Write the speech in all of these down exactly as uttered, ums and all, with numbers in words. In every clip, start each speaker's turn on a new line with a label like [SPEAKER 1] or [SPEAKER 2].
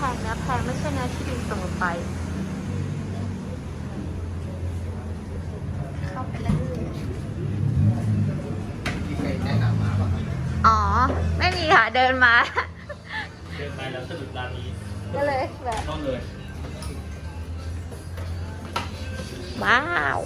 [SPEAKER 1] งเนื้อแพงไม่ใช่เนื้อที่ดีเสมอไปเข้าไปเลย
[SPEAKER 2] มีใครแนะนำมาบ้างครับ
[SPEAKER 1] อ๋อไม่มีค่ะเดินมา
[SPEAKER 3] เดินไปแล้วสะดุดร้านนี้
[SPEAKER 1] ก็เลยแบบ
[SPEAKER 3] ก็เลย
[SPEAKER 1] ว้าว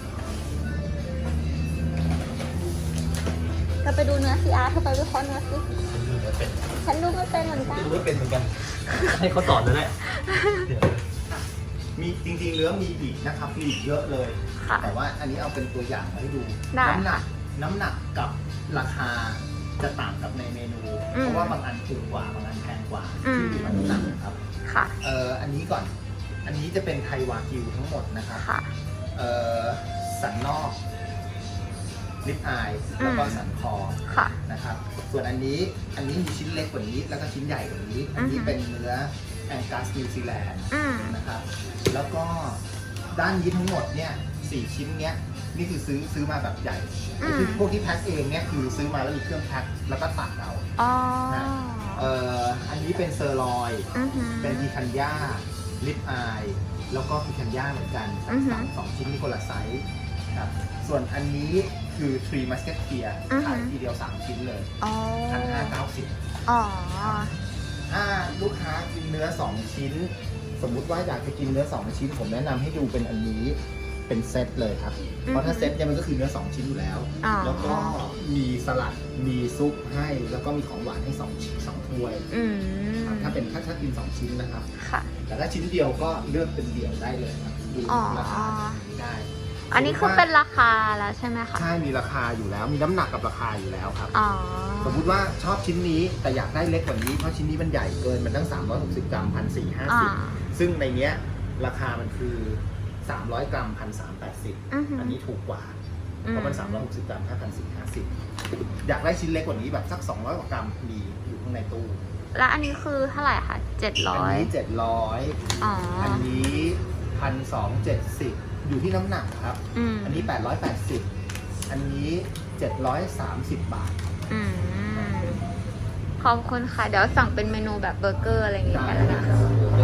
[SPEAKER 1] เราไปดูเนื้อสิอาร์เธอไปวิเคราะห์เนื้อสิ
[SPEAKER 3] ดูไม่เป็น
[SPEAKER 1] ฉันดูไม่เป็นเหมือนกัน
[SPEAKER 3] ดูไม่เป็นเหมือนกัน ให้เขาสอนเลยแหละ
[SPEAKER 2] มีจริงๆเนื้อมีอีกนะครับมีอีกเยอะเลย
[SPEAKER 1] ค่ะ
[SPEAKER 2] แต่ว่าอันนี้เอาเป็นตัวอย่างมาให้ดู
[SPEAKER 1] ได้
[SPEAKER 2] น้ำหนักน้ำหนักกับราคาจะต่างกับในเมนู
[SPEAKER 1] อืม
[SPEAKER 2] เพราะว่าบางอันถูกกว่าบางอันแพงกว่า
[SPEAKER 1] อืม
[SPEAKER 2] ที่อยู่ที่น้ำหนักครับ
[SPEAKER 1] ค่ะ
[SPEAKER 2] เอ่ออันนี้ก่อน อันนี้จะเป็นไทยวากิวทั้งหมดนะครับ
[SPEAKER 1] ค่ะ
[SPEAKER 2] เอ่อสันนอกลิปอายแล้วก็สันคอ
[SPEAKER 1] ค่ะ
[SPEAKER 2] นะครับ ส่วนอันนี้อันนี้มีชิ้นเล็กกว่านี้ แล้วก็ชิ้นใหญ่กว่านี้ อันนี้
[SPEAKER 1] อือฮึ
[SPEAKER 2] เป็นเนื้อแองกัสนิวซีแลนด์
[SPEAKER 1] อืม
[SPEAKER 2] นะครับ แล้วก็ด้านนี้ทั้งหมดเนี่ยสี่ชิ้นเนี้ยนี่คือซื้อซื้อมาแบบใหญ่
[SPEAKER 1] อืม
[SPEAKER 2] คือพวกที่แพ็คเองเนี่ยคือซื้อมาแล้วมีเครื่องแพ็คแล้วก็ตัดเอา
[SPEAKER 1] อ๋อ
[SPEAKER 2] เอ่ออันนี้เป็นเซอร์ลอย
[SPEAKER 1] อือหือ
[SPEAKER 2] เป็นพีคันย่าลิปอายแล้วก็พีคันย่าเหมือนกัน
[SPEAKER 1] อือฮึ
[SPEAKER 2] สามสองชิ้นนี่คนละไซส์ครับส่วนอันนี้คือทรีมัสเก็ตเทีย
[SPEAKER 1] อือฮึ
[SPEAKER 2] ขายทีเดียวสามชิ้นเลย
[SPEAKER 1] อ๋อ
[SPEAKER 2] พันห้าเก้าสิบ
[SPEAKER 1] อ๋อ
[SPEAKER 2] ถ้าลูกค้ากินเนื้อสองชิ้น สมมุติว่าอยากจะกินเนื้อสองชิ้น ผมแนะนำให้ดูเป็นอันนี้เป็นเซตเลยครับ เพราะถ้าเซตเนี่ยมันก็คือเนื้อสองชิ้นอยู่แล้ว
[SPEAKER 1] อ๋อ
[SPEAKER 2] แล้วก็มีสลัดมีซุปให้แล้วก็มีของหวานให้สองชิ้นสองถ้วย
[SPEAKER 1] อืม
[SPEAKER 2] ครับถ้าเป็นถ้าถ้ากินสองชิ้นนะครับ
[SPEAKER 1] ค่ะ
[SPEAKER 2] แต่ถ้าชิ้นเดียวก็เลือกเป็นเดี่ยวได้เลยครับดู
[SPEAKER 1] อ๋อ
[SPEAKER 2] ราคาได้
[SPEAKER 1] อันนี้คือเป็นราคาแล้วใช่ไหมคะ
[SPEAKER 2] ใช่มีราคาอยู่แล้ว มีน้ำหนักกับราคาอยู่แล้วครับ
[SPEAKER 1] อ๋อ
[SPEAKER 2] สมมุติว่าชอบชิ้นนี้แต่อยากได้เล็กกว่านี้เพราะชิ้นนี้มันใหญ่เกินมันตั้งสามร้อยหกสิบกรัมพันสี่ห้า
[SPEAKER 1] อ่า
[SPEAKER 2] สิบซึ่งในเนี้ยราคามันคือสามร้อยกรัมพันสามแปดสิบ
[SPEAKER 1] อือหือ
[SPEAKER 2] อันนี้ถูกกว่า
[SPEAKER 1] อืม
[SPEAKER 2] เพราะมันสามร้อยหกสิบกรัมแค่พันสี่ห้าสิบอยากได้ชิ้นเล็กกว่านี้แบบสักสองร้อยกว่ากรัมมีอยู่ข้างในตู้
[SPEAKER 1] แล้วอันนี้คือเท่าไหร่คะเจ็ดร้
[SPEAKER 2] อั
[SPEAKER 1] อน ย
[SPEAKER 2] นี้เจ็ดร้อย
[SPEAKER 1] อ๋อ
[SPEAKER 2] อันนี้พันสองเจ็ดสิบอยู่ที่น้ำหนักครับ
[SPEAKER 1] อืม
[SPEAKER 2] อันนี้แปดร้อยแปดสิบอันนี้เจ็ดร้อยสามสิบบาท
[SPEAKER 1] อืมขอบคุณค่ะ เดี๋ยวสั่งเป็นเมนูแบบเบอร์เกอร์อะไรอย่างเงี้ยกันแล้วนะ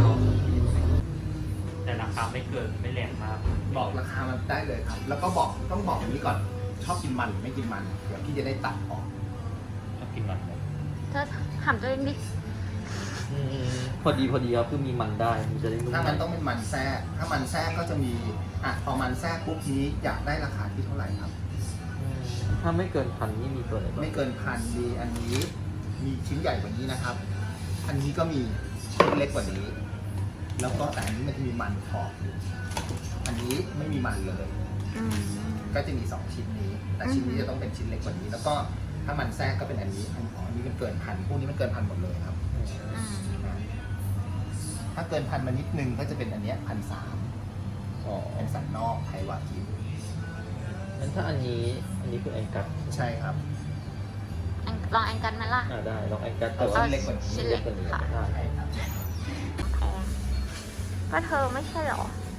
[SPEAKER 3] แต่ราคาไม่เกินไม่แรงมาก
[SPEAKER 2] บอกราคามันได้เลยครับ แล้วก็บอกต้องบอกอย่างนี้ก่อน ชอบกินมันหรือไม่กินมัน เดี๋ยวพี่จะได้ตัดออก
[SPEAKER 3] ชอบกินมันไหม
[SPEAKER 1] เธอถามตัวเองดิ
[SPEAKER 3] อืมพอดีพอดีครับคือมีมันได้มันจะได้ไม่
[SPEAKER 2] ถ้ามันต้องเป็นมันแทรกถ้ามันแทรกก็จะมี อ่ะ พอมันแทรกปุ๊บนี้อยากได้ราคาที่เท่าไหร่ครับ
[SPEAKER 3] อืมถ้าไม่เกินพันนี่มีตัวไหนบ้าง
[SPEAKER 2] ไม่เกินพันมีอันนี้ มีชิ้นใหญ่กว่านี้นะครับ อันนี้ก็มีชิ้นเล็กกว่านี้ แล้วก็แต่อันนี้มันจะมีมันขอบอยู่อันนี้ไม่มีมันเลย
[SPEAKER 1] อืม
[SPEAKER 2] ก็จะมีสองชิ้นนี้ แต่ชิ้นนี้จะต้องเป็นชิ้นเล็กกว่านี้ แล้วก็ถ้ามันแทรกก็เป็นอันนี้อันของอันนี้มันเกินพันพวกนี้มันเกินพันหมดเลยครับ
[SPEAKER 1] อืม
[SPEAKER 2] ถ้าเกินพันมานิดนึงก็จะเป็นอันเนี้พันสาม
[SPEAKER 3] อ๋อ
[SPEAKER 2] เป็นสันนอกไทยวากิว
[SPEAKER 3] งั้นถ้าอันนี้อันนี้คือแองกัส
[SPEAKER 2] ใช่ครับ
[SPEAKER 1] อันลองแอนกันไหมล่ะ
[SPEAKER 3] อ่าได้ลองแองกัสแต่
[SPEAKER 2] เอา
[SPEAKER 3] ว่า
[SPEAKER 2] ชิ้นเล็กกว่านี้
[SPEAKER 1] ชิ้นเล็ก
[SPEAKER 3] กว่านี้
[SPEAKER 1] ค่ะ
[SPEAKER 3] ได้
[SPEAKER 2] ใช่ครับ
[SPEAKER 1] แพงก็เธอไม่ใช่เหรอ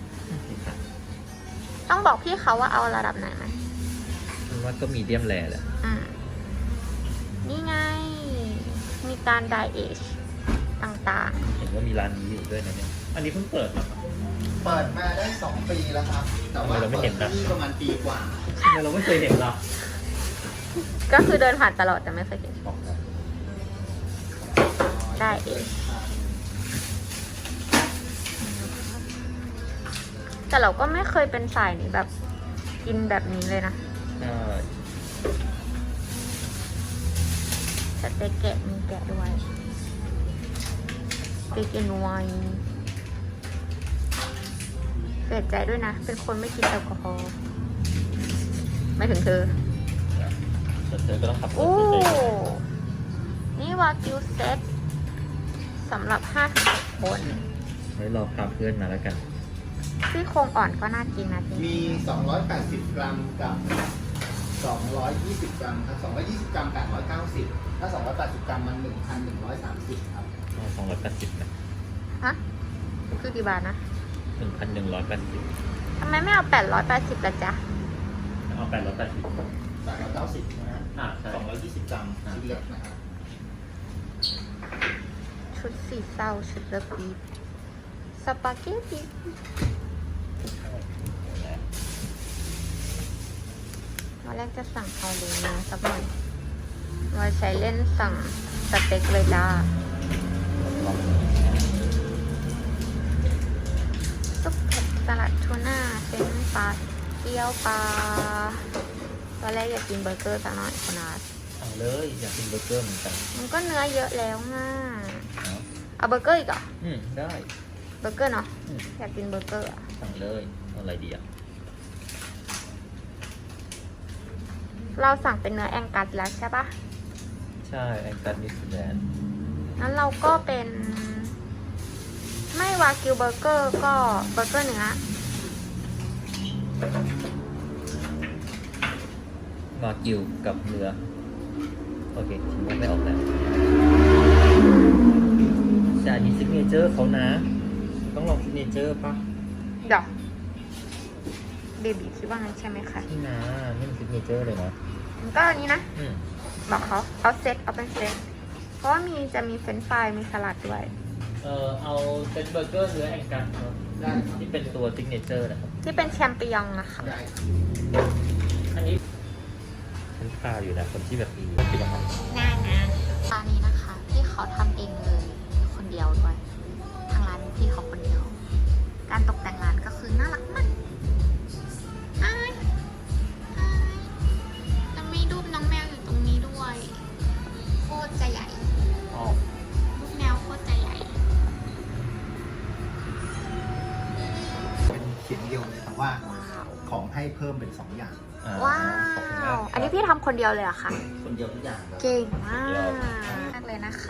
[SPEAKER 1] ต้องบอกพี่เขาว่าเอาระดับไหนไหม
[SPEAKER 3] มันว่าก็มีเดียมแรแหละ
[SPEAKER 1] อืม นี่ไง มีการไดเอชต่าง
[SPEAKER 3] เห็นว่ามีร้านนี้อยู่ด้วยนะเนี่ยอันนี้เพิ่งเปิดเหรอครับ
[SPEAKER 2] เปิดมาได้สองปีแล้วครับ แต่ว่า
[SPEAKER 3] ทำไมเราไม่เห็นนะ
[SPEAKER 2] ปิดที่ประมาณปีกว่า
[SPEAKER 3] ทำไมเราไม่เคยเห็นล่ะ
[SPEAKER 1] ๆ ก็คือเดินผ่านตลอดแต่ไม่เคยเห็น
[SPEAKER 3] บอกนะ
[SPEAKER 1] ได้เอง แต่เราก็ไม่เคยเป็นสายนี้แบบ กินแบบนี้เลยนะ
[SPEAKER 3] ใช่
[SPEAKER 1] สเต็กแกะมีแกะด้วยสเต็กเอ็นไวน์เสียใจด้วยนะ เป็นคนไม่กินแอลกอฮอล์ไม่ถึงเธอ
[SPEAKER 3] แต่เธอก็ต้องขับรถ
[SPEAKER 1] โอ้
[SPEAKER 3] ไปเจอ
[SPEAKER 1] นี่วากิวเซตสำหรับห้าถึงหกคน
[SPEAKER 3] ไว้รอพาเพื่อนมาแล้วกัน
[SPEAKER 1] ซี่โครงอ่อนก็น่ากินนะจริง
[SPEAKER 2] มี สองร้อยแปดสิบ กรัมกับ สองร้อยยี่สิบ กรัมครับ สองร้อยยี่สิบ กรัม แปดร้อยเก้าสิบ ถ้า สองร้อยแปดสิบ กรัมมัน หนึ่งพันหนึ่งร้อยสามสิบ ครับ
[SPEAKER 3] สองร้อยแปดสิบนะ
[SPEAKER 1] ฮะ คือกี่บาทนะ
[SPEAKER 3] หนึ่งพันหนึ่งร้อยแปดสิบ
[SPEAKER 1] ทำไมไม่เอาแปดร้อยแปดสิบละจ๊ะ
[SPEAKER 3] เอาแปดร้อยแปดสิบ
[SPEAKER 2] แปดร้อยเก้าสิบนะฮะ
[SPEAKER 3] อ่าใช่
[SPEAKER 2] สองร้อยยี่สิบ กรัมชิ้นเล็กนะครับ
[SPEAKER 1] ชุดชุดสีเศร้าชุดระบีสปาเกตตีวันแรกจะสั่งเอาเลยนะสักหน่อยวันใช้เล่นสั่งสเต็กเลยจ้าซุปเผ็ดสลัดทูน่าเฟรนช์ฟรายเกี๊ยวปลาตอนแรกอยากกินเบอร์เกอร์สักหน่อยคุณอาร์ต
[SPEAKER 3] เอาเลยอยากกินเบอร์เกอร์เหมือนกัน
[SPEAKER 1] มันก็เนื้อเยอะแล้วง่า
[SPEAKER 3] เอา
[SPEAKER 1] เอาเบอร์เกอร์อีกเหรอ
[SPEAKER 3] อืมได้
[SPEAKER 1] เบอร์เกอร์เนาะ
[SPEAKER 3] อืม
[SPEAKER 1] อยากกินเบอร์เกอร์อะ
[SPEAKER 3] สั่งเลยเอาอะไรดีอ่ะ
[SPEAKER 1] เราสั่งเป็นเนื้อแองกัสแล้วใช่ปะ
[SPEAKER 3] ใช่แองกัสนิวซีแลนด์
[SPEAKER 1] งั้นเราก็เป็น ไม่วากิวเบอร์เกอร์ก็เบอร์เกอร์เนื้อ
[SPEAKER 3] มากิวกับเนื้อโอเคชิมไม่ออกแล้วแต่อันนี้ซิกเนเจอร์เขานะ ต้องลองซิกเนเจอร์ปะ
[SPEAKER 1] เดี๋ยวเบบีคิดว่างั้นใช่ไหมคะ
[SPEAKER 3] นี่นะนี่มันซิกเนเจอร์เลยนะ
[SPEAKER 1] มันก็อันนี้นะ
[SPEAKER 3] อืม
[SPEAKER 1] บอกเขาเอาเซตเอาเป็นเซตเพราะว่ามีจะมีเฟรนช์ฟรายมีสลัดด้วย
[SPEAKER 3] เออเอาเป็นเบอร์เกอร์เนื้อแองกัสครับ
[SPEAKER 2] ได้ครับ
[SPEAKER 3] ที่เป็นตัวซิกเนเจอร์นะครับ
[SPEAKER 1] ที่เป็นแชมปิญองนะคะ
[SPEAKER 2] ได้
[SPEAKER 3] อันนี้ฉันพาอยู่นะคนที่แบบมีเป็นยังไง
[SPEAKER 1] น่านะร้านนี้นะคะที่เขาทำเองเลยคนเดียวด้วยทางร้านพี่เขาคนเดียว การตกแต่งร้านก็คือน่ารักมากอ้ายอ้ายแล้วมีรูปน้องแมวอยู่ตรงนี้ด้วย โคตรจะใหญ่
[SPEAKER 3] อ๋อ
[SPEAKER 1] รูปแมวโคตรจะใหญ่
[SPEAKER 2] เป็นเขียนเดียวเลยแต่ว่า
[SPEAKER 1] ว้าว
[SPEAKER 2] ของให้เพิ่มเป็นสองอย่าง
[SPEAKER 3] อ่
[SPEAKER 1] ว้า
[SPEAKER 3] ขอบคุณม
[SPEAKER 1] ว
[SPEAKER 3] ก
[SPEAKER 1] อันนี้พี่ทำคนเดียวเลยเหรอะคะ
[SPEAKER 3] คนเดียวทุกอย่างครับ
[SPEAKER 1] เก่งมากมากเลยนะคะ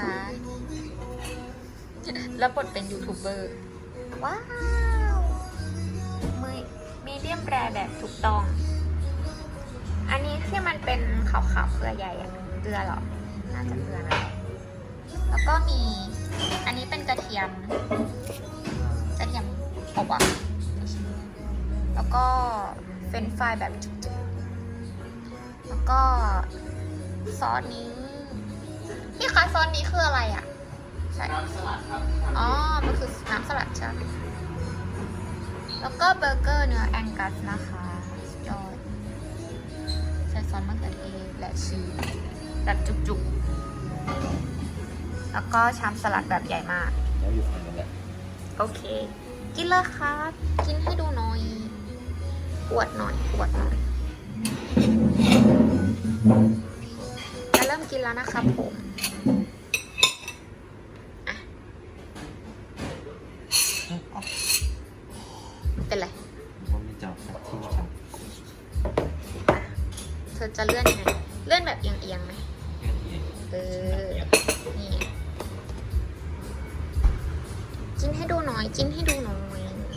[SPEAKER 1] แล้วบทเป็นยูทูบเบอร์ ว้าวมือมีเดียมแรแบบถูกต้อง อันนี้ที่มันเป็นขาวๆเกลือใหญ่อะเกลือเหรอ น่าจะเกลือนะ แล้วก็มี อันนี้เป็นกระเทียม กระเทียมอบอ่ะ แล้วก็เฟรนช์ฟรายแบบจุกๆแล้วก็ซอสนี้พี่คะซอสนี้คืออะไรอ่ะ ใช่
[SPEAKER 2] น้ำสลัดครับ
[SPEAKER 1] อ๋อ มันคือน้ำสลัดใช่ไหมแล้วก็เบอร์เกอร์เนื้อแองกัสนะคะสุดยอดใช้ซอสมะเขือเทศและชีสแบบจุกๆ แล้วก็ชามสลัดแบบใหญ่มาก
[SPEAKER 3] แล้วอยู่ฝั่งนั้นแหละ
[SPEAKER 1] โอเค กินเลยครับ กินให้ดูหน่อยอวดหน่อยอวดหน่อยจะเริ่มกินแล้วนะครับผมอ่ะอ๋อเป็นไร
[SPEAKER 3] ว่ามีจับที่จับ
[SPEAKER 1] อ่ะเธอจะเลื่อนยังไง เลื่อนแบบเอียงๆไหมเออ นี่ กินให้ดูหน่อย กินให้ดูหน่อย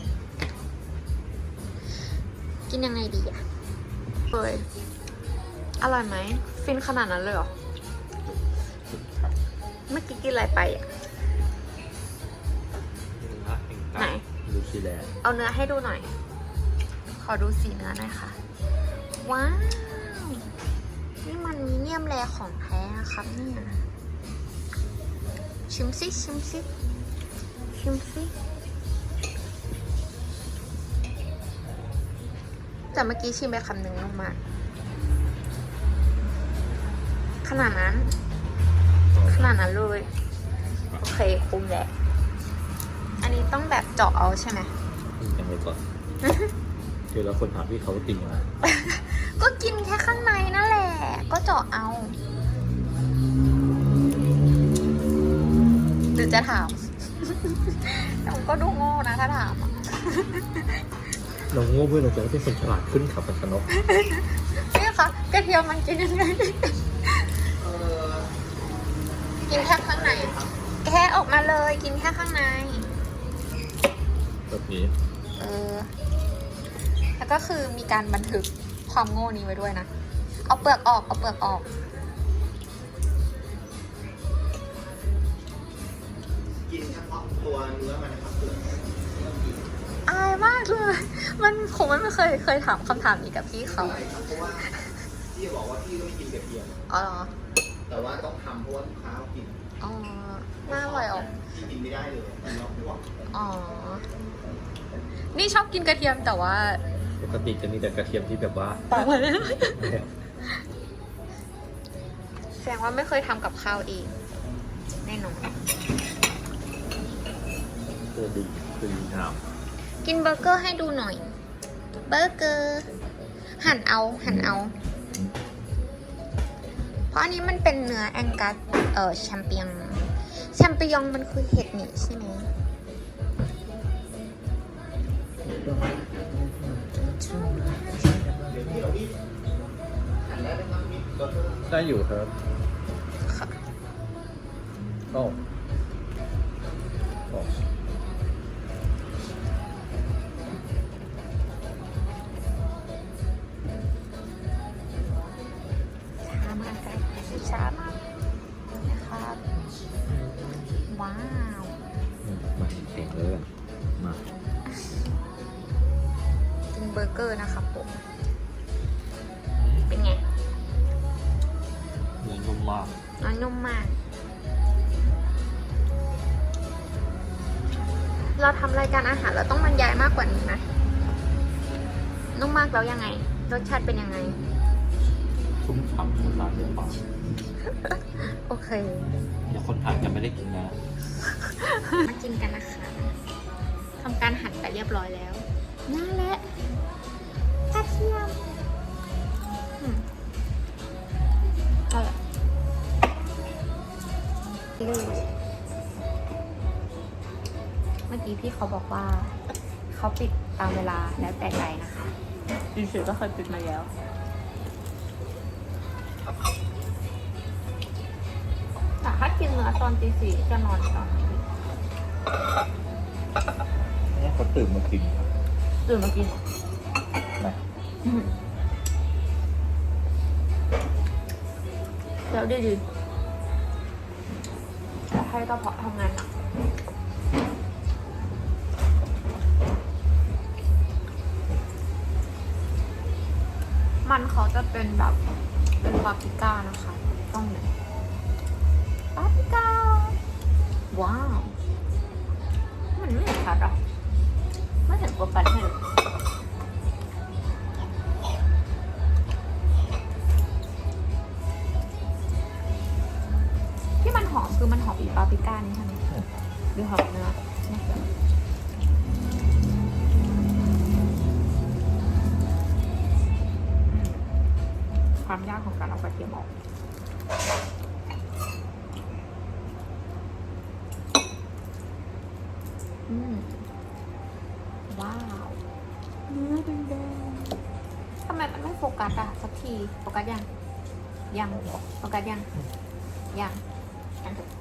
[SPEAKER 1] กินยังไงดีอ่ะเฮ้ยอร่อยไหม ฟินขนาดนั้นเลยเหรอ เมื่อกี้กินอะไรไปอ่ะ ไหน
[SPEAKER 3] นิวซีแลนด์
[SPEAKER 1] เอาเนื้อให้ดูหน่อย ขอดูสีเนื้อหน่อยค่ะ ว้าว นี่มันมีเนียมแรของแท้นะครับเนี่ยชิมซิชิมซิชิมซิแต่เมื่อกี้ชิมไปคำหนึ่งลงมา ขนาดนั้น ขนาดนั้นเลย โอเคคุ้มแหละ อันนี้ต้องแบบเจาะเอาใช่ไหม
[SPEAKER 3] ยังไงก่อนเดี๋ยวเราคนถามพี่เขาติ่งมา
[SPEAKER 1] ก็กินแค่ข้างในนั่นแหละ ก็เจาะเอาหรือจะถาม แต่ผมก็ดูโง่นะถ้าถามอ่ะ
[SPEAKER 3] เราโง่เพื่อเราจะได้เป็นคนฉลาดขึ้นขับมันสนุก
[SPEAKER 1] นี่คะกระเทียมมันกินยังไง
[SPEAKER 2] เออ
[SPEAKER 1] กินแค่ข้างใน แค่ออกมาเลย กินแค่ข้างใน
[SPEAKER 3] แบบนี้
[SPEAKER 1] เออ แล้วก็คือมีการบันทึกความโง่นี้ไว้ด้วยนะ เอาเปลือกออก เอาเปลือกออก
[SPEAKER 2] กินเฉพาะตัวเนื้อมันนะครับเปลือก
[SPEAKER 1] อายมากเลย มันคงไม่เคยเคยถามคำถามนี้กับพี่เขา
[SPEAKER 2] ใช่ครับเพราะว่าพี่บอกว่าพี่ก็ไม่กินกระเทียม
[SPEAKER 1] อ๋อเหรอ
[SPEAKER 2] แต่ว่าต้องทำเพราะว่าลูกค้าเขากิน
[SPEAKER 1] อ๋อน่าอร่อยออก
[SPEAKER 2] กินไม่ได้เลยมันร้อนไม่ไหว
[SPEAKER 1] อ๋อ นี่ชอบกินกระเทียมแต่ว่า
[SPEAKER 3] ปกติจะมีแต่กระเทียมที่แบบว่า
[SPEAKER 1] ปากมาแล้วแสดงว่าไม่เคยทำกับข้าวเอง แน่นอน
[SPEAKER 3] ตัวดีคือดีงาม
[SPEAKER 1] กินเบอร์เกอร์ให้ดูหน่อย เบอร์เกอร์ หั่นเอา หั่นเอา เพราะอันนี้มันเป็นเนื้อแองกัส เอ่อแชมเปียง แชมเปียงมันคือเห็ดนี่ใช่ไหม
[SPEAKER 3] ได้อยู่ครับ
[SPEAKER 1] ค่ะ
[SPEAKER 3] โอ้โอ้
[SPEAKER 1] ช้ามากกันช้ามากนะครับ ว้าว
[SPEAKER 3] อืมมาเสียงเลยกันมา
[SPEAKER 1] กินเบอร์เกอร์นะครับผม เป็นไง
[SPEAKER 3] เนื้อนุ่มมาก
[SPEAKER 1] น้อยนุ่มมาก เราทำรายการอาหารเราต้องบรรยายมากกว่านี้ไหมนุ่มมากแล้วยังไง รสชาติเป็นยังไง
[SPEAKER 3] ชุ่มฉ่ำชุ่มน้ำในปาก
[SPEAKER 1] โอเค
[SPEAKER 3] เดี๋ยวคนทานจะไม่ได้กินนะ
[SPEAKER 1] มากินกันนะคะทำการหั่นไปเรียบร้อยแล้วนั่นแหละกระเทียมอืมเอาละเมื่อกี้พี่เขาบอกว่า เขาปิดตามเวลาแล้วแต่ใจนะคะดีสุดก็เคยปิดมาแล้ว แต่ถ้ากินเนื้อตอนตีสี่จะนอนตอนนี้
[SPEAKER 3] นี่เขาตื่นมากินครับ
[SPEAKER 1] ตื่นมากิน
[SPEAKER 3] นะ
[SPEAKER 1] แล้วดีดีจะให้กระเพาะทำงานหนักมันเขาจะเป็นแบบเป็นปาปริก้านะคะ ต้องไหนปาปริก้า ว้าว มันไม่เห็นชัดหรอไม่เห็นตัวปันให้เลยที่มันหอมคือมันหอมอีปาปริก้านี่ใช่ไหมหรือหอมเนื้อเนี่ยความยากของการเอากระเทียมออกอืมว้าวเนื้อแดงๆทำไมมันไม่โฟกัสอะสักทีโฟกัสยังยังโฟกัสยังยังยังถูก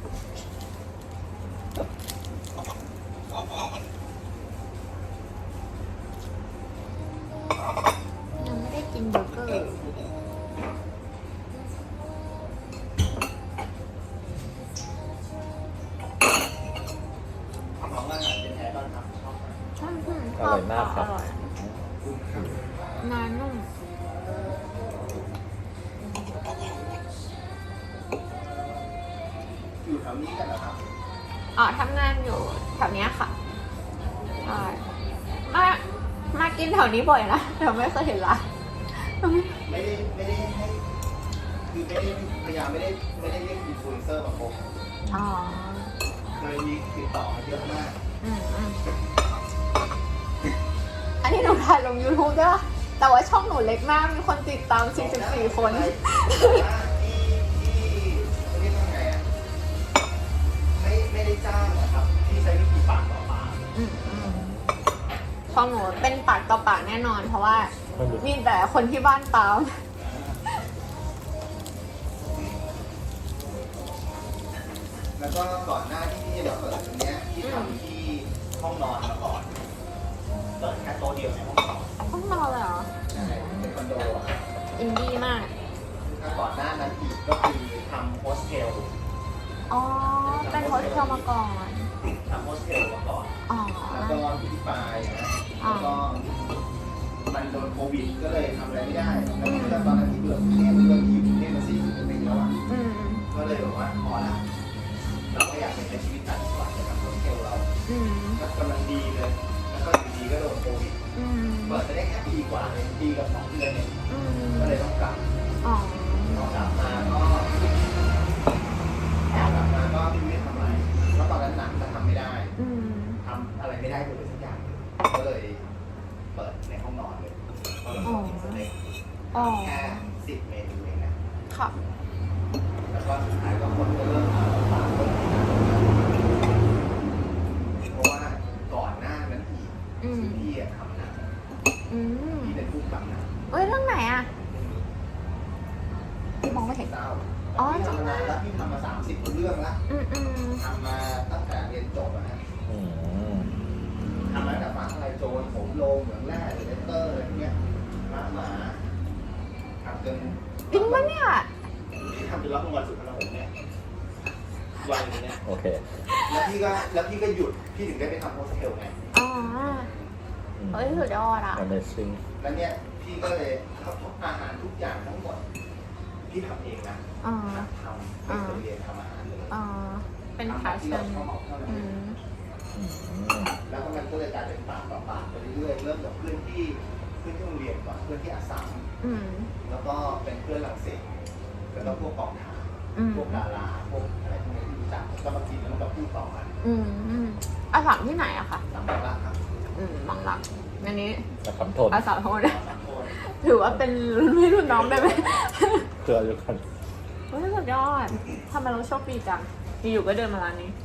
[SPEAKER 1] ยังไม่ได้กินเบอร์เกอร์ชอบอร่อยมากครับอร่อยงานนุ่ม
[SPEAKER 2] อยู่แถวนี้กันเหรอครับ
[SPEAKER 1] อ๋อทำงานอยู่แถวเนี้ยค่ะใช่มามากินแถวนี้บ่อยนะแต่ไม่เคยเห็นร้าน
[SPEAKER 2] ไม่ได้ไม่ได้ให้คือไม่ได้พยายามไม่ได้ไม่ได้เรียกอินฟลูเอนเซอร์มาพบ
[SPEAKER 1] อ๋อ
[SPEAKER 2] เคยมีติดต่อมาเยอะมาก
[SPEAKER 1] อืมอืมอันนี้หนูถ่ายลง YouTube ด้วยป่ะแต่ว่าช่องหนูเล็กมาก มีคนติดตามสี่สิบสี่คน
[SPEAKER 2] ที่ที่เรียกว่าไงอ่ะไม่ไม่ได้จ้างนะครับที่ใช้วิธีปากต่อปาก
[SPEAKER 1] อืมอืมช่องหนูเป็นปากต่อปากแน่นอน เพราะว่ามีแต่คนที่บ้านตาม
[SPEAKER 2] แล้วก็ก่อนหน้าที่พี่จะเปิดตรงเนี้ยที่ทำที่ห้องนอนมาก่อนเปิดแค่โต๊ะเดียวในห้องนอน
[SPEAKER 1] ห้องนอนเลยเหรอ
[SPEAKER 2] ใช่เป็นคอนโดอะครับ
[SPEAKER 1] อินดี้มาก
[SPEAKER 2] ถ้าก่อนหน้านั้นอีกก็คือทำโฮสเทล
[SPEAKER 1] อ๋อ เป็นโฮสเทลมาก่อน
[SPEAKER 2] ทำโฮสเทลมาก่อน
[SPEAKER 1] อ๋อ
[SPEAKER 2] แล้วก็ที่ปลายนะแล้วก็มันโดนโควิดก็เลยทำอะไรไม่ได้ แล้วก็ตอนนั้นที่เบื่อกรุงเทพเบื่อที่อยู่กรุงเทพมาสี่สิบปีแล้วอ่ะ
[SPEAKER 1] อืม
[SPEAKER 2] ก็เลยบอกว่าพอละใช้ชีวิตต่างจังหวัดจะทำโฮสเทลเรา
[SPEAKER 1] อืม
[SPEAKER 2] ก็กำลังดีเลย แล้วก็อยู่ดีก็โดนโควิด
[SPEAKER 1] อืม
[SPEAKER 2] เปิดไปได้แค่ปีกว่าเลยปีกับสองเดือนเนี่ย
[SPEAKER 1] อืม
[SPEAKER 2] ก็เลยต้องกลับ
[SPEAKER 1] อ๋อ
[SPEAKER 2] พอกลับมาก็กลับมาก็ไม่รู้จะทำอะไรเพราะตอนนั้นหนังจะทำไม่ได้
[SPEAKER 1] อืม
[SPEAKER 2] ทำอะไรไม่ได้เลยสักอย่างก็เลยเปิดในห้องนอนเลยเพราะเราชอบกินสเต็ก
[SPEAKER 1] อ๋อ
[SPEAKER 2] แค่สิบเมนูเองนะ
[SPEAKER 1] ค่ะ
[SPEAKER 2] แล้วก็สุดท้ายก็คนก็เริ่มมาฝากคนที่นั่นเพราะว่าก่อนหน้านั้นอีก
[SPEAKER 1] อืม
[SPEAKER 2] พี่อะทำหนัง
[SPEAKER 1] อืม
[SPEAKER 2] พี่เป็นผู้กำกับหนัง
[SPEAKER 1] เอ้ยเรื่องไหนอ่ะพี่มองไม่เห็น
[SPEAKER 2] เศร้า
[SPEAKER 1] อ๋อ
[SPEAKER 2] พี่ทำมานานแล้วพี่ทำมาสามสิบเรื่องแล้ว
[SPEAKER 1] อืมอืม
[SPEAKER 2] ทำมาตั้งแต่เรียนจบอะนะ
[SPEAKER 3] อืม
[SPEAKER 2] ทำมาตั้งแต่ฟ้าทลายโจรผมโลงเหมืองแร่เลเตอร์อะไรพวกเนี้ยมาหมาทำจน
[SPEAKER 1] จริงปะเนี่ย
[SPEAKER 2] พี่ทำจนรับรางวัลสุดพลังผมเนี่ยวันนี้เนี่ย
[SPEAKER 3] โอเค
[SPEAKER 2] แล้วพี่ก็แล้วพี่ก็หยุดพี่ถึงได้ไปทำโฮสเทลไง
[SPEAKER 1] อ๋อ
[SPEAKER 3] อืม
[SPEAKER 1] เฮ้ยสุดยอดอ่ะ
[SPEAKER 3] Amazing
[SPEAKER 2] แล้วเนี่ยพี่ก็เลยเขาอาหารทุกอย่างทั้งหมดพี่ทำเองนะ
[SPEAKER 1] อ๋อ
[SPEAKER 2] หัดทำไม่เคยเรียนทำอาหารเลย
[SPEAKER 1] อ๋อ เป็น
[SPEAKER 2] ทำ
[SPEAKER 1] พา
[SPEAKER 2] แบบที่
[SPEAKER 1] ชั่
[SPEAKER 2] เรา
[SPEAKER 1] น
[SPEAKER 2] ชอบเท่านั้น
[SPEAKER 1] อืม
[SPEAKER 3] อืม
[SPEAKER 2] แล้วก็มันก็เลยกลายเป็นปากต่อปากไปเรื่อยๆเริ่มจากเพื่อนที่เพื่อนที่โรงเรียนก่อนเพื่อนที่อาสาม
[SPEAKER 1] อืม
[SPEAKER 2] แล้วก็เป็นเพื่อนหลังเสกแล้วก็พวกกองถ่าย
[SPEAKER 1] อืม
[SPEAKER 2] พวกดาราพวกอะไรพวกนี้ที่รู้จักก็มากินแล้วมันก็พูดต่อกัน
[SPEAKER 1] อืมอืมอาสามที่ไหนอะคะ
[SPEAKER 2] สามคนละครับ
[SPEAKER 1] อืมบางหลักอันนี้
[SPEAKER 3] แต่คำโทษ
[SPEAKER 1] อาสามทั้งหมดเลย
[SPEAKER 2] สามคน
[SPEAKER 1] ถือว่าเป็นรุ่นพี่รุ่นน้องได้ไหม
[SPEAKER 3] เพื่ออยู่กัน
[SPEAKER 1] เฮ้ยสุดยอดทำไมเราโชคดีจังอยู่ๆก็เดินมาร้านนี้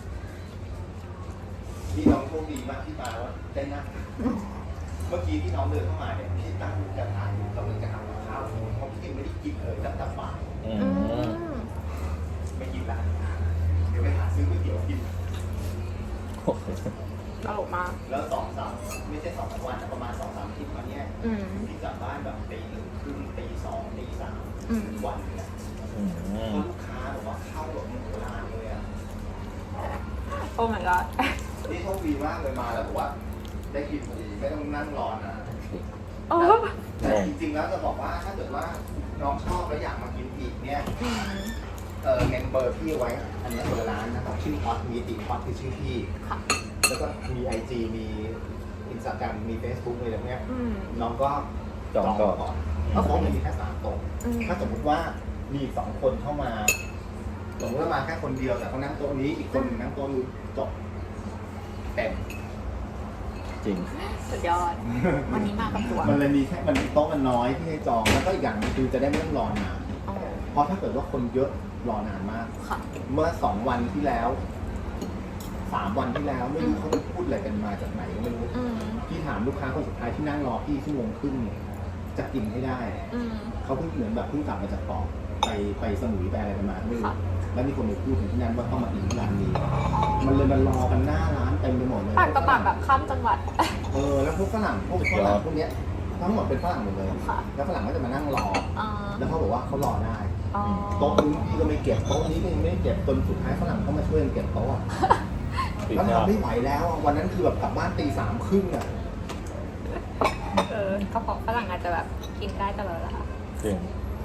[SPEAKER 2] พี่น้องโชคดีมากที่มาว่าได้นั่งเมื่อกี้ที่น้องเดินเข้ามาเนี่ยพี่ตั้งจะทานกำลังจะทำกับข้าวเพราะพี่ยังไม่ได้กินเลยตั้งแต่บ่าย
[SPEAKER 3] อื
[SPEAKER 1] อื
[SPEAKER 3] ม
[SPEAKER 1] ม
[SPEAKER 2] ไม่กินละเดี๋ยวไปหาซื้อก๋วยเตี๋ยวกิน
[SPEAKER 3] โอเค
[SPEAKER 1] ตลกมาก
[SPEAKER 2] แล้วสองสามไม่ใช่สองสามวันนะประมาณสองสามอาทิตย์มาเนี่ย
[SPEAKER 1] อืม
[SPEAKER 2] พี่กลับบ้านแบบตีหนึ่งครึ่งตีสองตีสาม
[SPEAKER 1] อืม
[SPEAKER 2] วันเลยนะ
[SPEAKER 3] อืม
[SPEAKER 2] เพราะลูกค้าบอกว่าเข้าแบบหนึ่งเวลาเลยอ่ะ
[SPEAKER 1] โอ้ my god
[SPEAKER 2] นี่โชคดีมากเลยมาแล้วบอกว่าได้กินพอดีไม่ต้องนั่งรอนนะ
[SPEAKER 1] โอ้
[SPEAKER 2] แต่จริงๆแล้วจะบอกว่าถ้าเกิดว่าน้องชอบแล้วอยากมากินอีกเนี่ย
[SPEAKER 1] อืม
[SPEAKER 2] เออเมมเบอร์พี่ไว้ อันนี้ตัวร้านนะครับชื่อฮอตมีตีฮอตคือชื่อพี่
[SPEAKER 1] ค่ะ
[SPEAKER 2] แล้วก็มีไอจีมีอินสตาแกรมมีเฟซบุ๊กอะไรแบบเนี้ย
[SPEAKER 1] อืม
[SPEAKER 2] น้องก็
[SPEAKER 3] จองก่อน
[SPEAKER 2] ก่อนเพราะผมมีแค่สามโต๊ะ
[SPEAKER 1] อืม
[SPEAKER 2] ถ้าสมมติว่ามีอีกสองคนเข้ามาสมมติว่ามาแค่คนเดียวแต่เขานั่งโต๊ะนี้อีกคนหนึ่งนั่งโต๊ะนู้นจบเต็ม
[SPEAKER 3] จริง
[SPEAKER 1] สุดยอด วันนี้มากับตัว
[SPEAKER 2] มันเลยมีแค่มันโต๊ะมันน้อยที่ให้จองแล้วก็อีกอย่างหนึงคือจะได้ไม่ต้องรอนาน
[SPEAKER 1] อ๋อ
[SPEAKER 2] เพราะถ้าเกิดว่าคนเยอะรอนานมาก
[SPEAKER 1] ค่ะ
[SPEAKER 2] เมื่อสองวันที่แล้วสามวันที่แล้วไม่รู้เขาไปพูดอะไรกันมาจากไหนก็ไม่รู้
[SPEAKER 1] อืม
[SPEAKER 2] พี่ถามลูกค้าคนสุดท้ายที่นั่งรอพี่ชั่วโมงครึ่งเนี่ยจะกินให้ได้
[SPEAKER 1] อืม
[SPEAKER 2] เขาเพิ่งเหมือนแบบเพิ่งกลับมาจากเกาะไปไปสมุยไปอะไรกันมาไม่รู้
[SPEAKER 1] ค่ะ
[SPEAKER 2] แล้วมีคนไปพูดถึงที่นั่นว่าต้องมากินที่ร้านนี้ มันเลยมารอกันหน้าร้านเต็มไปหมดเลย
[SPEAKER 1] ปากต่อปากแบบข้ามจังหวัด
[SPEAKER 2] เออแล้วพวกฝรั่งพวกฝรั่งพวกเนี้ยทั้งหมดเป็นฝรั่งหมดเลย
[SPEAKER 1] ค่ะ
[SPEAKER 2] แล้วฝรั่งก็จะมานั่งรอ
[SPEAKER 1] อ๋อ
[SPEAKER 2] แล้วเขาบอกว่าเขารอได้
[SPEAKER 1] อ๋อ
[SPEAKER 2] โต๊ะนู้นพี่ก็ไม่เก็บโต๊ะนี้ก็ยังไม่ได้เก็บจนสุดท้ายฝรั่งเขามาช่วยกันเก็บโต๊ะอะ
[SPEAKER 3] ปิด
[SPEAKER 2] แล้ว
[SPEAKER 3] หน้า
[SPEAKER 2] ทำไม่ไหวแล้วอะวันนั้นคือแบบกลับบ้านตีสามครึ่งอ่ะ
[SPEAKER 1] เออกระเพาะฝรั่งอาจจะแบบกินได้ตลอดละค่ะ
[SPEAKER 3] จริง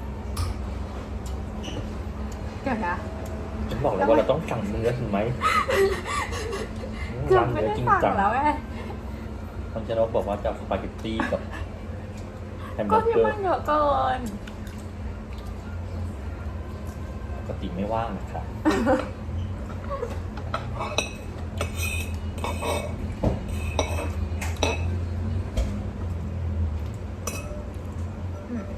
[SPEAKER 1] เดี๋ยวนะ
[SPEAKER 3] ฉันบอกเลยว่าเราต้องสั่งเนื้อถึงไหม
[SPEAKER 1] เกือ
[SPEAKER 3] ร้า
[SPEAKER 1] บ
[SPEAKER 3] น
[SPEAKER 1] ไม่
[SPEAKER 3] เนื้อ
[SPEAKER 1] ได้
[SPEAKER 3] จริง
[SPEAKER 1] สั่ง
[SPEAKER 3] จัง
[SPEAKER 1] แล้วไง
[SPEAKER 3] ทางเจนกบอกว่าจะเอาสปาเกตตี้กับแฮมเบ
[SPEAKER 1] ก็
[SPEAKER 3] อร์
[SPEAKER 1] ที่
[SPEAKER 3] เกอ
[SPEAKER 1] มั
[SPEAKER 3] ร์
[SPEAKER 1] นเยอะเกิน
[SPEAKER 3] ปกติไม่ว่างนะครับ
[SPEAKER 1] อืม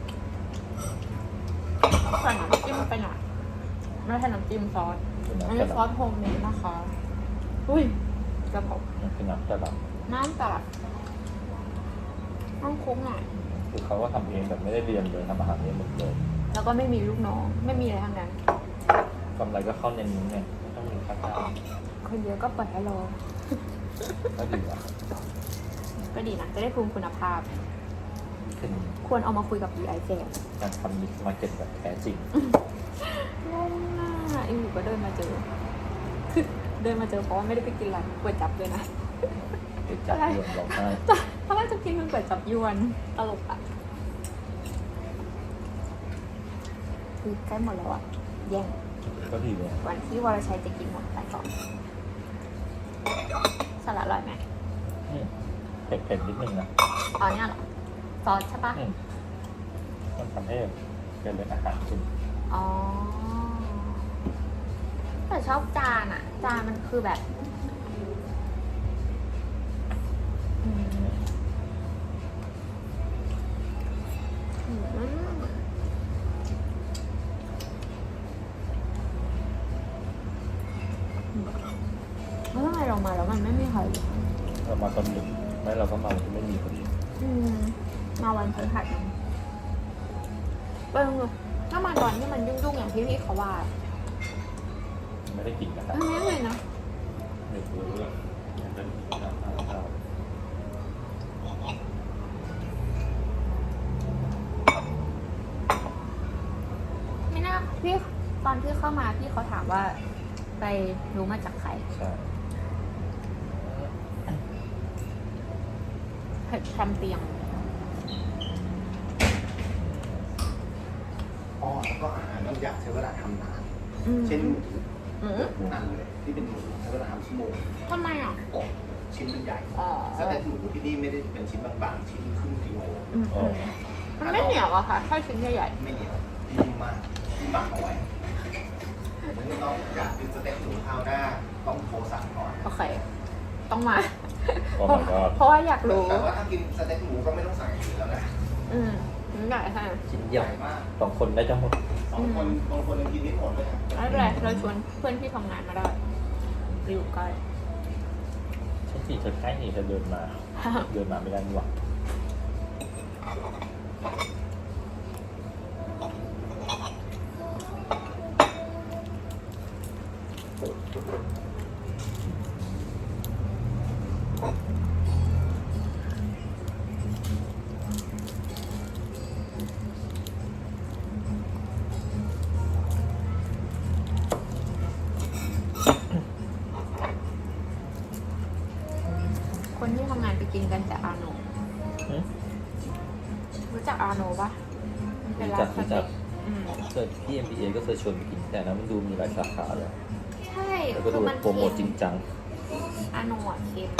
[SPEAKER 1] ใส่น้ำจิ้มไปหน่อยไม่ใช่น้ำจิ้มซอส
[SPEAKER 3] คือ
[SPEAKER 1] อัน
[SPEAKER 3] น้ำ
[SPEAKER 1] นี้
[SPEAKER 3] ส
[SPEAKER 1] ซอ
[SPEAKER 3] ลั
[SPEAKER 1] ส
[SPEAKER 3] ด
[SPEAKER 1] โฮมเมดนะคะ อุ้ยกระเพาะ
[SPEAKER 3] มันคือน้ำสลัด
[SPEAKER 1] น้ำสลัดต้องคุ้มหน่อย
[SPEAKER 3] คือเขาก็ทำเองแบบไม่ได้เรียนเลยทำอาหารเองหมดเลย
[SPEAKER 1] แล้วก็ไม่มีลูกน้อง ไม่มีอะไรทั้งนั้น
[SPEAKER 3] กำไรก็เข้าในนี้ไงไม่ต้องมีค่าจ้าง
[SPEAKER 1] คนเยอะก็เปิดให้รอ
[SPEAKER 3] ก็ดีอ่ะ
[SPEAKER 1] ก็ดีนะ จะได้ภูมิคุณภาพ
[SPEAKER 3] เป็น
[SPEAKER 1] ควรเอามาคุยกับ บี ไอ แจก
[SPEAKER 3] การทำมิกซ์มาร์เก็ตแบบแท้จริง
[SPEAKER 1] งงน่ะอีหูก็เดินมาเจอ เดินมาเจอเพราะว่าไม่ได้ไปกินร้านก๋วยจับเลยนะ
[SPEAKER 3] ไปจับยวนร้องไห้
[SPEAKER 1] เพราะว่าจะกินมันก๋วยจับยวนตลกอ่ะคือใกล้หมดแล้วอ่ะ แย่ง
[SPEAKER 3] ก็ดีเลย
[SPEAKER 1] วันที่วรชัยจะกินหมดไปก่อนสลัดอร่อยไหม
[SPEAKER 3] อืมเผ็ดๆนิดนึงนะ
[SPEAKER 1] อ๋อเนี่ยเหรอซอสใช่ปะ
[SPEAKER 3] อืมมันทำให้เป็นเป็นอาหารขึ้น
[SPEAKER 1] อ๋อแต่ชอบจานอะจานมันคือแบบอืมอืมแล้วทำไมเรามาแล้วมันไม่มีใครเลย
[SPEAKER 3] เรามาตอนดึกไม่เราก็มาที่ไม่มีพอดี
[SPEAKER 1] อืมมาวันพฤหัสยังเออถ้ามาตอนที่มันยุ่งๆอย่างที่พี่เขาว่า
[SPEAKER 3] ไม่ได้กินนะครับ
[SPEAKER 1] ไม่เลยนะ
[SPEAKER 3] เดี๋ยวรู้เรื่องยังเป็นน้ำข้าวข้าว
[SPEAKER 1] ไม่น่าพี่ตอนที่เข้ามาพี่เขาถามว่า ไปรู้มาจากใคร
[SPEAKER 3] ใช่
[SPEAKER 1] เผ็ดแคมเปียง
[SPEAKER 2] อ๋อแล้วก็อาหารบางอย่างใช้เวลาทำนาน
[SPEAKER 1] อืม
[SPEAKER 2] เช่นหมู
[SPEAKER 1] อืม
[SPEAKER 2] นั่นเลยที่เป็นหมูใช้เวลาทำชั่วโมง
[SPEAKER 1] ทำไมอ่ะ
[SPEAKER 2] อบชิ้นมันใหญ่
[SPEAKER 1] อ๋อ
[SPEAKER 2] สเต็กหมูที่นี่ไม่ได้เป็นชิ้นบางๆชิ้นครึ่งกิโล
[SPEAKER 1] อืมอืมมันไม่เหนียวอะค่ะแค่ชิ้นใหญ่
[SPEAKER 2] ไม่เหนียวนิ่มมากที่หมักเอาไว้ไม่ต้องอยากกินสเต็กหมูคราวหน้าต้องโทรสั่งก่อน
[SPEAKER 1] ๆโอเค ต้องมา
[SPEAKER 3] ก็มันก็
[SPEAKER 1] เพราะว่าอยากรู้
[SPEAKER 2] แต่ว่าถ้ากินสเต็กหมูก็ไม่ต้องสั่งอย่างอื่นแล้วนะ
[SPEAKER 1] อืมชิ้นใหญ่ค่ะ
[SPEAKER 3] ชิ้น
[SPEAKER 2] ให
[SPEAKER 3] ใหญ่
[SPEAKER 2] ญ่มาก
[SPEAKER 3] สองคนได้จะหมด
[SPEAKER 2] สองคนบางคนยังกินไม่หมดเลยอะ
[SPEAKER 1] ไม่เป็นไรเราชวนเพื่อนที่ทำงานมาได้อยู่ใกล้
[SPEAKER 3] ใช่สิเธอใกล้นี่เธอเดินมา เดินมาไม่ได้นี่หว่า
[SPEAKER 1] คนที่ทำงานไปกินกันแต่อาโน
[SPEAKER 3] อืม
[SPEAKER 1] รู้จักอาโนปะมันเป็นร้านสเต็กอืม
[SPEAKER 3] เจอที่ เอ็ม บี เอ ก็เคยชวนไปกินแต่นั้นมันดูมีหลายสาขาเลย
[SPEAKER 1] ใช่
[SPEAKER 3] แล้วก็
[SPEAKER 1] คื
[SPEAKER 3] ดู
[SPEAKER 1] อมัน
[SPEAKER 3] โปรโมทจริงจัง
[SPEAKER 1] อาโนอ่ะเค็ม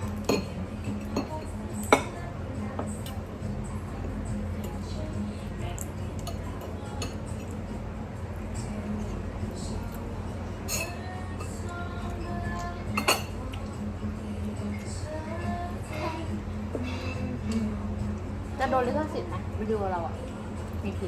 [SPEAKER 1] จะโดนลิขสิทธิ์ไหมวิดีโอเราอ่ะ มีที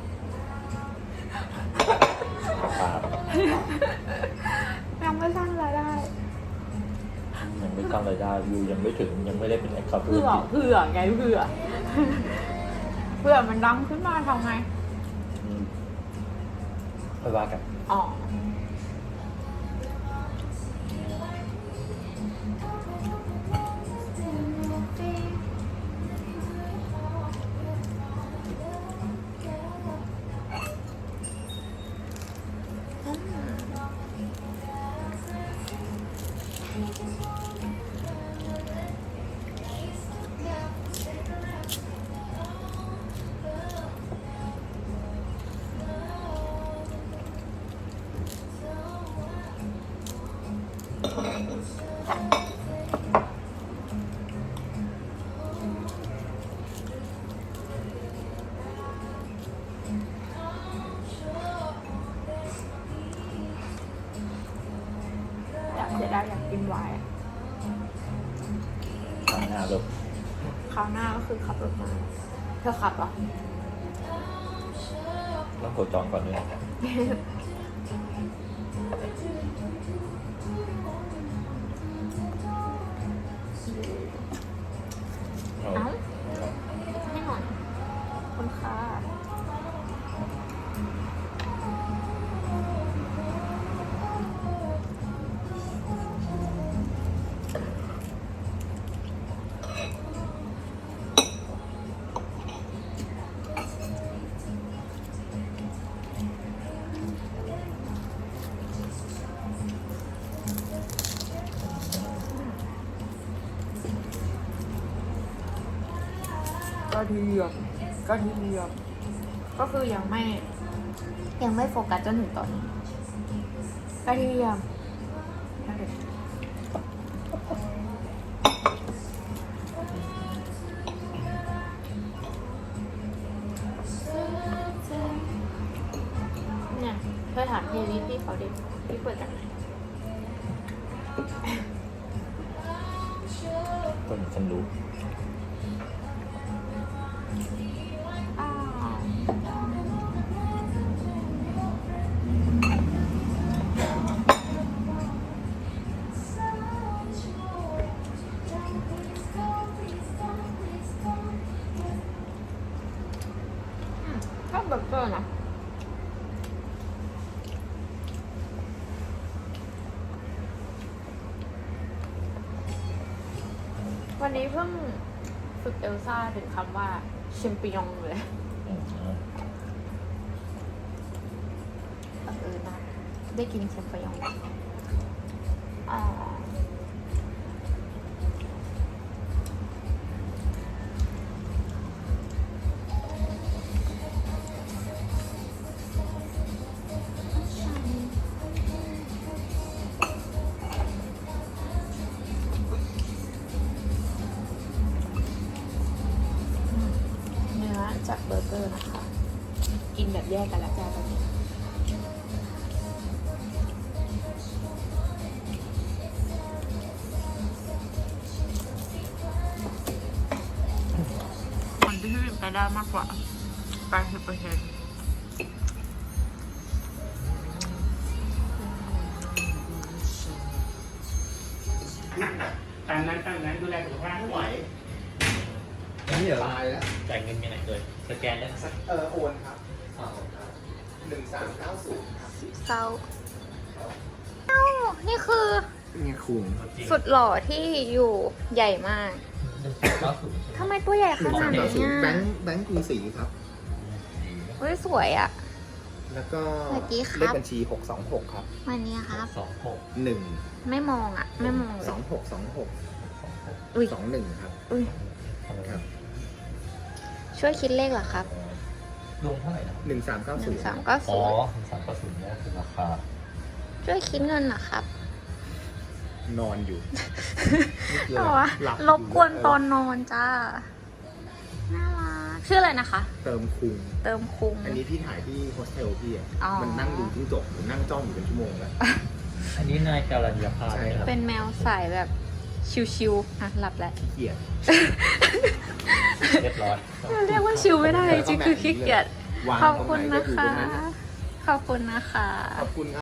[SPEAKER 3] ครับ
[SPEAKER 1] ยังไม่สร้างรายได้
[SPEAKER 3] ยังไม่สร้างรายได้วิวยังไม่ถึงยังไม่ได้เป็นแอคเคาท์ธุร
[SPEAKER 1] เผื่อ
[SPEAKER 3] กิจ
[SPEAKER 1] เผื่อไงเผื่อ เผื่อมันดังขึ้นมาทำไง
[SPEAKER 3] อืมค่อยว่ากัน
[SPEAKER 1] อ๋อ อยากเสียดายอยากกินไวน์อะ
[SPEAKER 3] ทางหน้าแบบ
[SPEAKER 1] คราวหน้าก็คือขับรถมา เธอขับเหรอ
[SPEAKER 3] ต้องโทรจองก่อนด้วย เอา
[SPEAKER 1] เอ้า ให้หน่อยคุณค่ะกระเทียมกระเทียมก็คือยังไม่ ยังไม่โฟกัสจนถึงตอนนี้กระเทียมเนี่ยเธอถามเพลย์ลิสต์พี่เขาดิพี่เปิดจากไหน
[SPEAKER 3] คนฉันรู้
[SPEAKER 1] อ้าวอืมชอบเบอร์เกอร์นะวันนี้เพิ่งฝึกเอลซ่าถึงคำว่าแชมปิญองเลย
[SPEAKER 3] อืม
[SPEAKER 1] บังเอิญมากได้กินแชมปิญองอ๋อเนื้อจากเบอร์เกอร์นะคะ กินแบบแยกกันแล้วจ้าตอนนี้ คนที่ผลิตไปได้มากกว่า แปดสิบเปอร์เซ็นต์
[SPEAKER 4] ตามนั้นตามนั้นดูแลสุขภาพ
[SPEAKER 2] ไม่ไหว
[SPEAKER 3] นี่เหรอ
[SPEAKER 2] ตายแล้ว
[SPEAKER 3] จ่ายเงินมีไหนเลยสแกนได้สัก
[SPEAKER 2] เออโอนครับหนึ่งสามเก้าศูนย์ครับ
[SPEAKER 1] เศร้าเอ้านี่คือ
[SPEAKER 2] นี่คุง
[SPEAKER 1] สุดหล่อที่อยู่ใหญ่มาก
[SPEAKER 3] เก้าศูนย์
[SPEAKER 1] ทำไมตัวใหญ่ขนาด
[SPEAKER 2] เก้า
[SPEAKER 1] นี้
[SPEAKER 2] ศูนย์แบ
[SPEAKER 1] อ่ะ
[SPEAKER 2] งค์แบงค์กรุงศรีครับ
[SPEAKER 1] เฮ้ยสวยอ่ะ
[SPEAKER 2] แล้วก็
[SPEAKER 1] สวัสดีครับ
[SPEAKER 2] เลขบัญชีหกสองหกครับ
[SPEAKER 1] วันนี้ครับ
[SPEAKER 3] สองหก
[SPEAKER 2] หนึ่ง
[SPEAKER 1] ไม่มองอ่ะ ไม่มองเล
[SPEAKER 2] สอย งหกสองหก
[SPEAKER 3] สองหก
[SPEAKER 1] อุ้ย
[SPEAKER 2] สองหนึ่งครับ
[SPEAKER 1] อุ้ย
[SPEAKER 2] ครับ
[SPEAKER 1] ช่วยคิดเลขเหรอครับ
[SPEAKER 3] รวมเท่าไหร่นะ
[SPEAKER 2] หนึ่งสามเก้า
[SPEAKER 1] ห
[SPEAKER 2] ศู
[SPEAKER 1] นึ่
[SPEAKER 2] น
[SPEAKER 1] ง
[SPEAKER 2] ย์
[SPEAKER 1] สามเก้า
[SPEAKER 3] อ๋
[SPEAKER 1] ศู
[SPEAKER 3] อน
[SPEAKER 1] ย์
[SPEAKER 3] สามเก้าศูนย์เนี่ยคือราคา
[SPEAKER 1] ช่วยคิดเงินเหรอครับ
[SPEAKER 2] นอนอยู่
[SPEAKER 1] แต่ว่า
[SPEAKER 2] หลับอยู่
[SPEAKER 1] รบกวนตอนนอนจ้า น่ารักชื่ออะไรนะคะ
[SPEAKER 2] เติมคุง
[SPEAKER 1] เติมคุง
[SPEAKER 2] อันนี้พี่ถ่ายที่โฮสเทลพี่อ่ะ
[SPEAKER 1] อ๋อ
[SPEAKER 2] มันนั่งดูจิ้งจกหรือนั่งจ้องอยู่เป็นชั่วโมงแล้ว
[SPEAKER 3] อันนี้นายการัญญาภาพ
[SPEAKER 2] ใช่ครับ
[SPEAKER 1] เป็นแมวสายแบบชิวๆอ่ะหลับแล้ว
[SPEAKER 2] ขี้เกียจ
[SPEAKER 3] เรียบร้อย
[SPEAKER 1] เรียกว่าชิวไม่ได้จริงๆคือขี้เกียจ
[SPEAKER 2] วาง
[SPEAKER 1] ขอบ
[SPEAKER 2] ตรง
[SPEAKER 1] คุณ
[SPEAKER 2] ไหนก็
[SPEAKER 1] นะ
[SPEAKER 2] อยู่ต
[SPEAKER 1] คะ
[SPEAKER 2] รงนั้น
[SPEAKER 1] ขอบคุณนะคะ
[SPEAKER 2] ขอบคุณครับ